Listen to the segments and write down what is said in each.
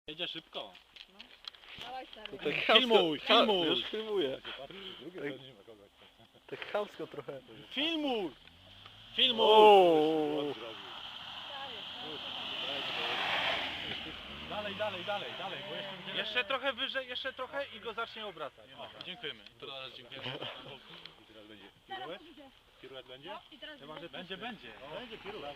Jedzie szybko. No. Dawaj stary. Tak Filmuj, filmuj. Już filmuję. Drugie Tak chamsko trochę. Filmuj! Filmuj! Ooo. Dalej, dalej, dalej, dalej, bo jeszcze trochę wyżej, jeszcze trochę i go zacznie obracać. Dziękujemy. Teraz dziękujemy. I teraz będzie piruet? Piruet będzie? No, i teraz Będzie, będzie. Będzie piruet.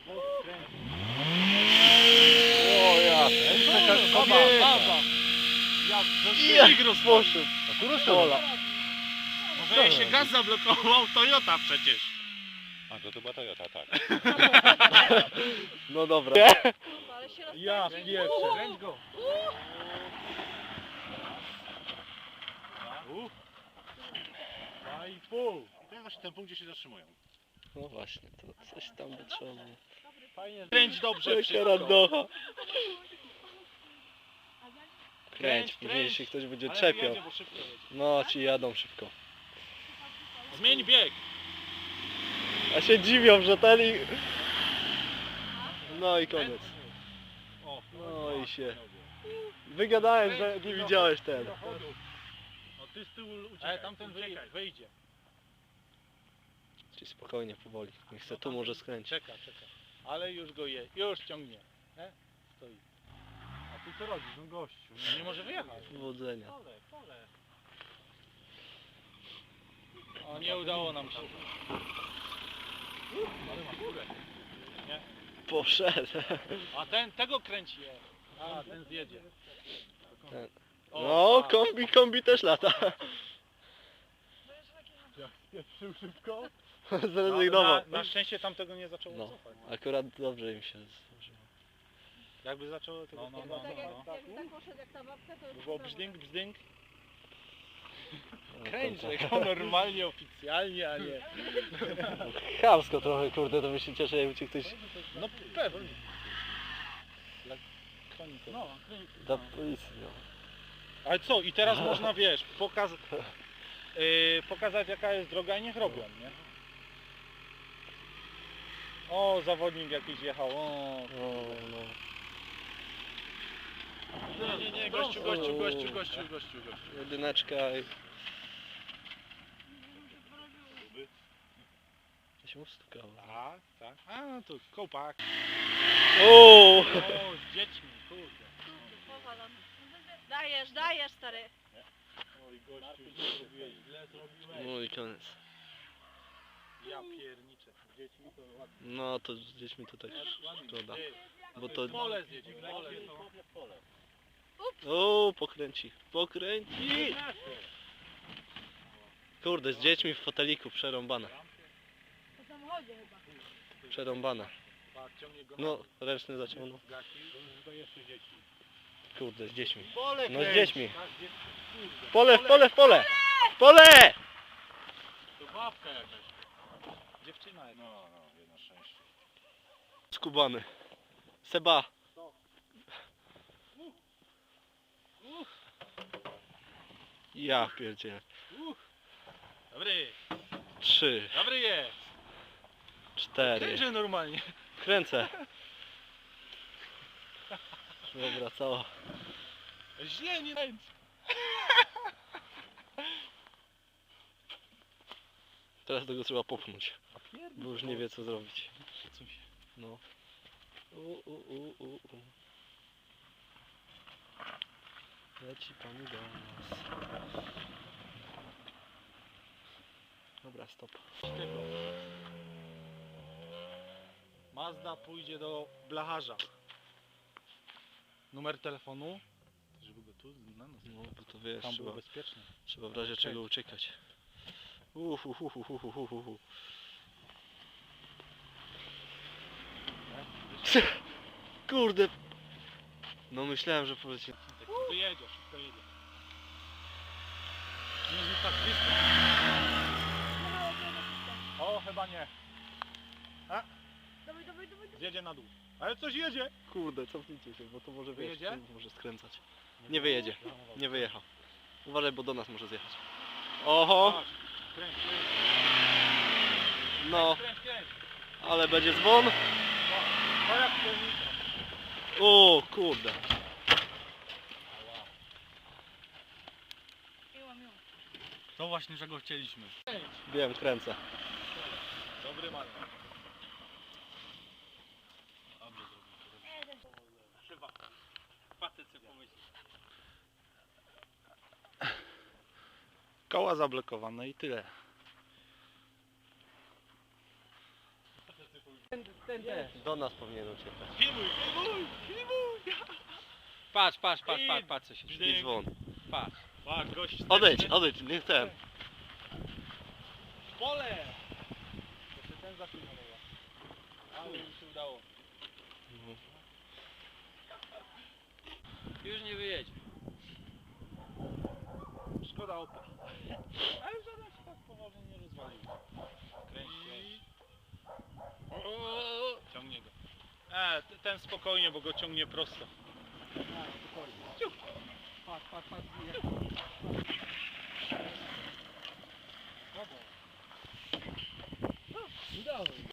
O ja. Baba! Jak rozpoczął. Pola. Może jej się gaz zablokował, Toyota przecież. A to była Toyota, tak. No dobra. ale się Ja rozpędzi. pierwszy. Kręć go. Dwa i pół. I to jest właśnie ten punkt, gdzie się zatrzymują. No właśnie, to coś tam by trzeba było. Fajnie. Kręć dobrze Jaka wszystko. randocha. Kręć, Kręć, później kręć. się ktoś będzie Ale czepiał. jedzie, bo szybko jedzie. No, ci jadą szybko. Zmień bieg. A się dziwią, że ten i... No i koniec. O, No i się... Wygadałem, że nie widziałeś ten. No ty z tyłu uciekaj. Tamten wyjdzie. Czyli spokojnie, powoli. Nie chcę, tu może skręcić. Czeka. Ale już go już ciągnie. Stoi. A ty co robisz, no gościu? No nie może wyjechać. Powodzenia. Pole. O, nie udało nam się. Ale ma górę. Poszedł. A tego kręci je. A, ten zjedzie. Ten. O, No, tak. kombi też lata. Jak spieprzył szybko. Zrezygnował. Na szczęście tamtego nie zaczęło No, cofać. akurat dobrze im się złożyło. Jakby zaczęło tego Tak jak poszedł jak ta babka, to już było prawo. brzdęk. No, Kręć to- go normalnie, oficjalnie, a nie. Chamsko trochę, kurde, to by się cieszę, jakby ci ktoś No pewnie. Dla koni to. No, da policji. No. ale co, i teraz można, wiesz, pokazać jaka jest droga i niech robią, nie? O, zawodnik jakiś jechał, o. O, no. Nie, gościu. Jedyneczka i... To się ustukało. Tak. A, no to kołpak. O! O, z dziećmi, kurde. Powalony. Dajesz stary. Oj, gościu, źle zrobiłeś. No i koniec. Ja pierniczę. Z dziećmi to ładnie. No to z dziećmi to tak szkoda. Bo to... Pole zjedzie, pole. O, pokręci. Kurde, z dziećmi w foteliku przerąbane. Po samochodzie chyba. Przerąbane. Ciągnie go No, ręczny zaciągnął. to jeszcze dzieci. Kurde, z dziećmi. Pole No z kręć. dziećmi. Tak, kurde. W pole! To babka jakaś. Dziewczyna jest. No, jedno szczęście. Skubany. Seba. Ja pierdzielę. Dobry, 3, dobry jest. 4. Krężę normalnie. Kręcę. Dobra, cała. Źle nie kręć. Teraz tego trzeba popchnąć. Bo już nie wie co zrobić. No. Leci pani do nas. Dobra, stop. Mazda pójdzie do blacharza. Numer telefonu. Żeby go tu na nas. No, bo to wiesz, Tam było bezpiecznie. trzeba w razie czego uciekać. Kurde. No myślałem, że poleci. Szybko jedzie. Nie jest tak blisko. O, chyba nie. Dawaj. Zjedzie na dół. Ale coś jedzie. Kurde, cofnijcie się, bo to może Wyjedzie? tu może skręcać. Nie wyjedzie. Nie wyjechał. Uważaj, bo do nas może zjechać. Oho! Kręć. No, ale będzie dzwon. To jak piernika. O kurde. To właśnie czego chcieliśmy. Wiem, kręcę. Dobry man. Koła zablokowane i tyle. Do nas powinien uciekać. Filmuj, filmuj, filmuj! Patrz, co się dzieje. I dzwon. Patrz. A, gość Odejdź, nie chcę. w pole! Jeszcze ten zafilmował. Ale mi się udało. Już nie wyjedzie. Szkoda opon. Ale żaden się tak poważnie nie rozwalił. Kręć. Ciągnie go. Ten spokojnie, bo go ciągnie prosto. Patrz.